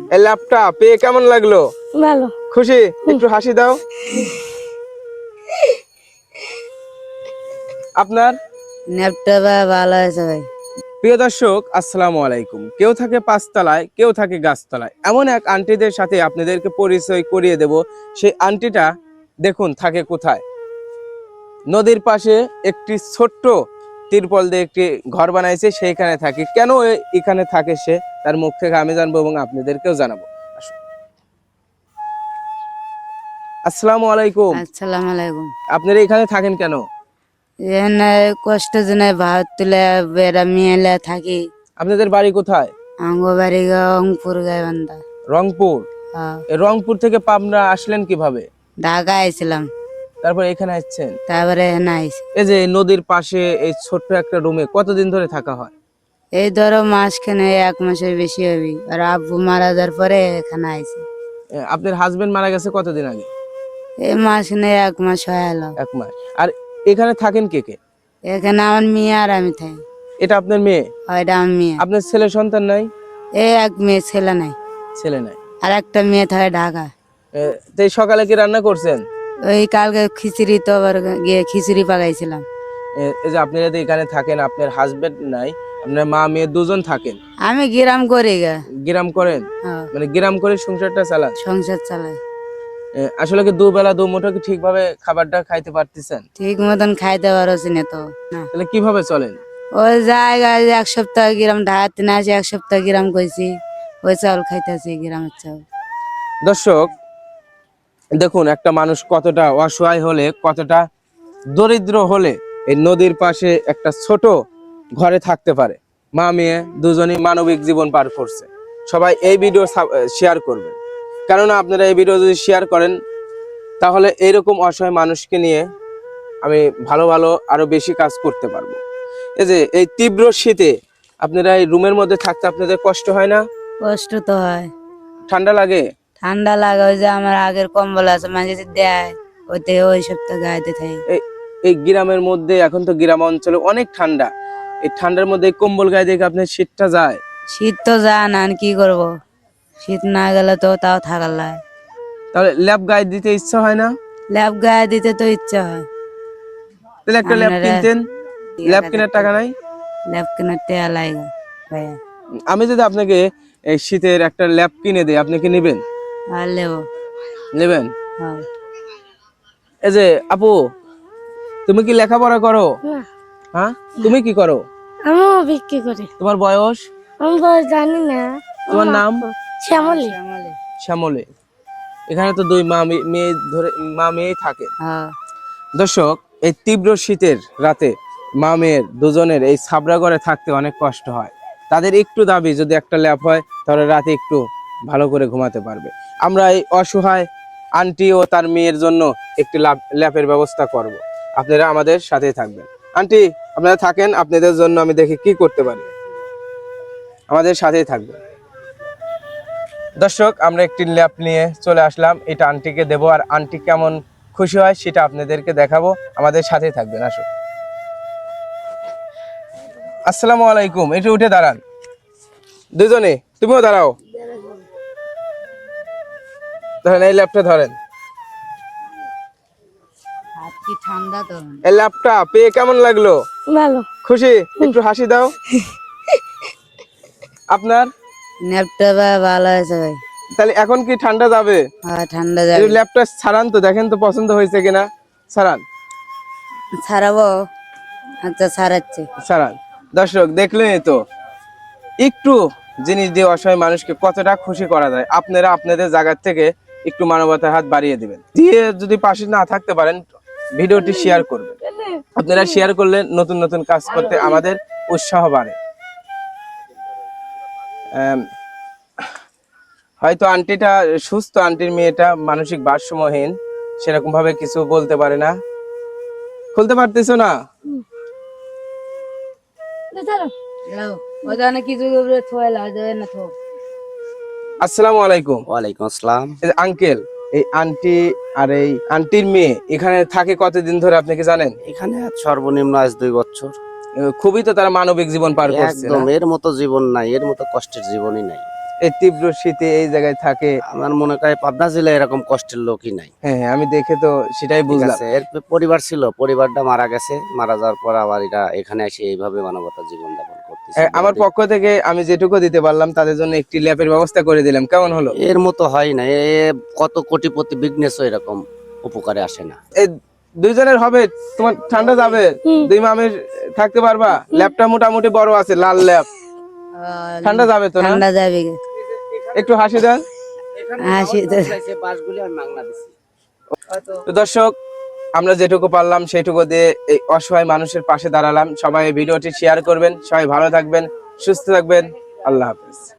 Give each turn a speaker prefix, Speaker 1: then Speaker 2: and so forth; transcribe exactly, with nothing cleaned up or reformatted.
Speaker 1: এই ল্যাপটা পেয়ে কেমন লাগলো?
Speaker 2: ভালো।
Speaker 1: খুশি? একটু হাসি দাও। আপনার?
Speaker 3: ল্যাপটা ভালো আছে ভাই।
Speaker 1: প্রিয় দর্শক, আসসালামু আলাইকুম। কেউ থাকে পাঁচতলায়, কেউ থাকে গাছতলায়। এমন এক আন্টিদের সাথে আপনাদেরকে পরিচয় করিয়ে দেব। সেই আন্টিটা দেখুন থাকে কোথায়। নদীর পাশে একটি ছোট্ট তিরপল দিয়ে একটি ঘর বানাইছে, সেইখানে থাকে। কেন এ- এখানে থাকে সে, তার মুখ থেকে আমি জানবো এবং আপনাদেরকেও জানাবো। আসুন। আসসালামু আলাইকুম।
Speaker 3: আসসালামু আলাইকুম।
Speaker 1: আপনারা এখানে থাকেন কেন?
Speaker 3: এখানে কষ্ট জন্য ভাত তুলে বেড়া মিলে থাকি।
Speaker 1: আপনাদের বাড়ি কোথায়?
Speaker 3: আঙ্গবাড়ি রংপুর গাইবান্ধা।
Speaker 1: রংপুর।
Speaker 3: হ্যাঁ,
Speaker 1: এই রংপুর থেকে পাবনা আসলেন কিভাবে?
Speaker 3: ঢাকা আইছিলাম,
Speaker 1: তারপর এখানে আসছেন।
Speaker 3: তারপরে এখানে আইছি।
Speaker 1: এই যে নদীর পাশে এই ছোট্ট একটা রুমে কতদিন ধরে থাকা হয়?
Speaker 3: এই ধরো মাসখানে এক মাসের বেশি হবি। আর আব্বু মারা যাওয়ার পরে এখানে আইছি।
Speaker 1: এ, আপনার হাজবেন্ড মারা গেছে কতদিন আগে?
Speaker 3: এই মাসখানে এক মাস হয়ে এলো।
Speaker 1: এক মাস। আর এখানে থাকেন কে কে?
Speaker 3: এখানে আমার মেয়ে আর আমি থাকি।
Speaker 1: এটা আপনার মেয়ে?
Speaker 3: ওইটা আমার মেয়ে।
Speaker 1: আপনার ছেলে সন্তান নাই?
Speaker 3: এই এক মেয়ে ছেলে নাই,
Speaker 1: ছেলে নাই।
Speaker 3: আর একটা মেয়ে থাকে ঢাকা।
Speaker 1: এ, তো এই সকালে কি রান্না করছেন?
Speaker 3: ওই কালকে খিচুড়ি তো আবার গিয়ে খিচুড়ি পাকাইছিলাম।
Speaker 1: এ, এই যে আপনি যদি এখানে থাকেন, আপনার হাজবেন্ড নাই, আপনার মা মেয়ে দুজন থাকেন,
Speaker 3: আমি গ্রাম করি গা।
Speaker 1: গ্রাম করেন?
Speaker 3: হ্যাঁ,
Speaker 1: মানে গ্রাম করে সংসারটা চালান?
Speaker 3: সংসার চালাই।
Speaker 1: এ, আসলে কি দুবেলা দু মুঠো কি ঠিকভাবে খাবারটা খাইতে পারতেছেন?
Speaker 3: ঠিক মতন খাইতে পারছি না তো না।
Speaker 1: তাহলে কিভাবে চলেন?
Speaker 3: ওই জায়গায় এক সপ্তাহ গ্রাম ঢাকাতে না আসি, এক সপ্তাহ গ্রাম কইছি, ওই চাউল খাইতেছি গ্রামের চাউল।
Speaker 1: দর্শক দেখুন, একটা মানুষ কতটা অসহায় হলে, কতটা দরিদ্র হলে এই নদীর পাশে একটা ছোট ঘরে থাকতে পারে। মা মেয়ে দুজনই মানবিক জীবন পার করছে। সবাই এই ভিডিও শেয়ার করবেন, কেননা আপনারা এই ভিডিও যদি শেয়ার করেন তাহলে এইরকম অসহায় মানুষকে নিয়ে আমি ভালো ভালো আরো বেশি কাজ করতে পারবো। এই যে এই তীব্র শীতে আপনারা এই রুমের মধ্যে থাকতে আপনাদের কষ্ট হয় না?
Speaker 3: কষ্ট তো হয়,
Speaker 1: ঠান্ডা লাগে?
Speaker 3: ঠান্ডা লাগে। ওই যে আমার আগের কম্বল আছে, মাঝে যে দেয় ওইতে ওই সপ্তাহ গাইতে থাকি।
Speaker 1: এই এই গ্রামের মধ্যে, এখন তো গ্রাম অঞ্চলে অনেক ঠান্ডা, এই ঠান্ডার মধ্যে এই কম্বল গায়ে দেখে আপনার শীতটা যায়?
Speaker 3: শীত তো যায় না, আর কি করবো, শীত না গেলে তো তাও থাকার লাগে।
Speaker 1: তাহলে ল্যাপ গায়ে দিতে ইচ্ছা হয় না?
Speaker 3: ল্যাব গায়ে দিতে তো ইচ্ছা হয়।
Speaker 1: তাহলে একটা ল্যাপ
Speaker 3: আপনারা
Speaker 1: কিনতেন। ল্যাপ কেনার টাকা নাই?
Speaker 3: ল্যাব কেনার টেয়া লাগে ভাইয়া।
Speaker 1: আমি যদি আপনাকে এই শীতের একটা ল্যাপ কিনে দিই, আপনি কি নেবেন?
Speaker 3: আর লেবো।
Speaker 1: নেবেন?
Speaker 3: হ্যাঁ।
Speaker 1: এই যে আপু, তুমি কি লেখাপড়া করো?
Speaker 2: না,
Speaker 1: হ্যাঁ, তুমি কি করো?
Speaker 2: আমিও বিক্রি করি।
Speaker 1: তোমার বয়স?
Speaker 2: আমি বয়স জানি না।
Speaker 1: তোমার নাম?
Speaker 2: শ্যামলী।
Speaker 1: শ্যামলে। এখানে তো দুই মা মে- মেয়ে ধরে মা মেয়ে থাকে।
Speaker 3: হ্যাঁ,
Speaker 1: দর্শক, এই তীব্র শীতের রাতে মা মেয়ের দুজনের এই ছাবড়া ঘরে থাকতে অনেক কষ্ট হয়। তাদের একটু দাবি যদি একটা ল্যাপ হয় তাহলে রাতে একটু ভালো করে ঘুমাতে পারবে। আমরা এই অসহায় আন্টি ও তার মেয়ের জন্য একটি ল্যাপের ব্যবস্থা করব। আপনারা আমাদের সাথেই থাকবেন। আন্টি, আপনারা থাকেন, আপনাদের জন্য আমি দেখি কি করতে পারি। আমাদের সাথেই থাকবেন। দর্শক, আমরা একটি ল্যাপ নিয়ে চলে আসলাম, এটা আন্টিকে দেবো, আর আন্টি কেমন খুশি হয় সেটা আপনাদেরকে দেখাবো। আমাদের সাথেই থাকবেন। আসুন। আসসালামু আলাইকুম। একটু উঠে দাঁড়ান দুজনে, তুমিও দাঁড়াও। ধরেন এই ল্যাপটা ধরেন।
Speaker 3: হাত কি ঠান্ডা তো।
Speaker 1: এই ল্যাপটা পেয়ে কেমন লাগলো?
Speaker 2: ভালো।
Speaker 1: খুশি? একটু হাসি দাও। আপনার?
Speaker 3: ল্যাপটা ভালো আছে ভাই।
Speaker 1: তাহলে এখন কি ঠান্ডা যাবে?
Speaker 3: হ্যাঁ, ঠান্ডা
Speaker 1: এই
Speaker 3: যাবে।
Speaker 1: ল্যাপটা ছাড়ান তো, দেখেন তো পছন্দ হয়েছে কিনা। ছাড়ান,
Speaker 3: ছাড়াবো। আচ্ছা, ছাড়াচ্ছি।
Speaker 1: ছাড়ান। দর্শক দেখলেনই তো, একটু জিনিস দিয়ে অসহায় মানুষকে কতটা খুশি করা যায়। আপনারা আপনাদের জায়গা থেকে একটু মানবতার হাত বাড়িয়ে দিবেন। দিয়ে যদি পাশে না থাকতে পারেন, ভিডিওটি শেয়ার করবেন। আপনারা শেয়ার করলে নতুন নতুন কাজ করতে আমাদের উৎসাহ বাড়ে। আম, হয়তো আন্টিটা সুস্থ, আন্টির মেয়েটা মানসিক ভারসাম্যহীন, সেরকম ভাবে কিছু বলতে পারে না। খুলতে পারতেছো না?
Speaker 3: ওখানে কিছু থোয়ালা দেবে না তো।
Speaker 1: আসসালামু আলাইকুম।
Speaker 4: ওয়ালাইকুম আসসালাম।
Speaker 1: আঙ্কেল, এই আন্টি আর এই আন্টির মেয়ে এখানে থাকে কতদিন ধরে আপনি কি জানেন?
Speaker 4: এখানে সর্বনিম্ন আজ দুই বছর।
Speaker 1: খুবই তো তারা মানবিক জীবন পার করছে
Speaker 4: একদম,
Speaker 1: না?
Speaker 4: এর মতো জীবন নাই, এর মতো কষ্টের জীবনই নাই।
Speaker 1: এই তীব্র শীতে এই জায়গায় থাকে।
Speaker 4: আমার মনে হয় পাবনা জেলায় এরকম কষ্টের লোকই নাই।
Speaker 1: হ্যাঁ হ্যাঁ, আমি দেখে তো সেটাই
Speaker 4: ঠিক
Speaker 1: বুঝলাম।
Speaker 4: আছে, এর পরিবার ছিল, পরিবারটা মারা গেছে, মারা যাওয়ার পর আবার এরা এখানে এসে এইভাবে মানবতা জীবন যাপন করতেছে।
Speaker 1: হ্যাঁ, আমার পক্ষ থেকে আমি যেটুকু দিতে পারলাম তাদের জন্য একটি ল্যাপের ব্যবস্থা করে দিলাম, কেমন হলো?
Speaker 4: এর মতো হয় না, এ কত কোটিপতি বিঘ্নেশও এরকম উপকারে আসে না।
Speaker 1: এই দুইজনের হবে, তোমার ঠান্ডা যাবে,
Speaker 2: হুম।
Speaker 1: দুই মামের থাকতে পারবা? ল্যাপটা মোটামুটি বড় আছে, লাল ল্যাপ, ঠান্ডা যাবে তো না?
Speaker 3: ঠান্ডা যাবে।
Speaker 1: একটু হাসি দেন।
Speaker 3: হাসি তো
Speaker 4: বাসগুলি আমি মাংনা দিছি।
Speaker 1: তো দর্শক, আমরা যেটুকু পারলাম সেটুকু দিয়ে এই অসহায় মানুষের পাশে দাঁড়ালাম। সবাই এই ভিডিওটি শেয়ার করবেন, সবাই ভালো থাকবেন, সুস্থ থাকবেন, আল্লাহ হাফেজ।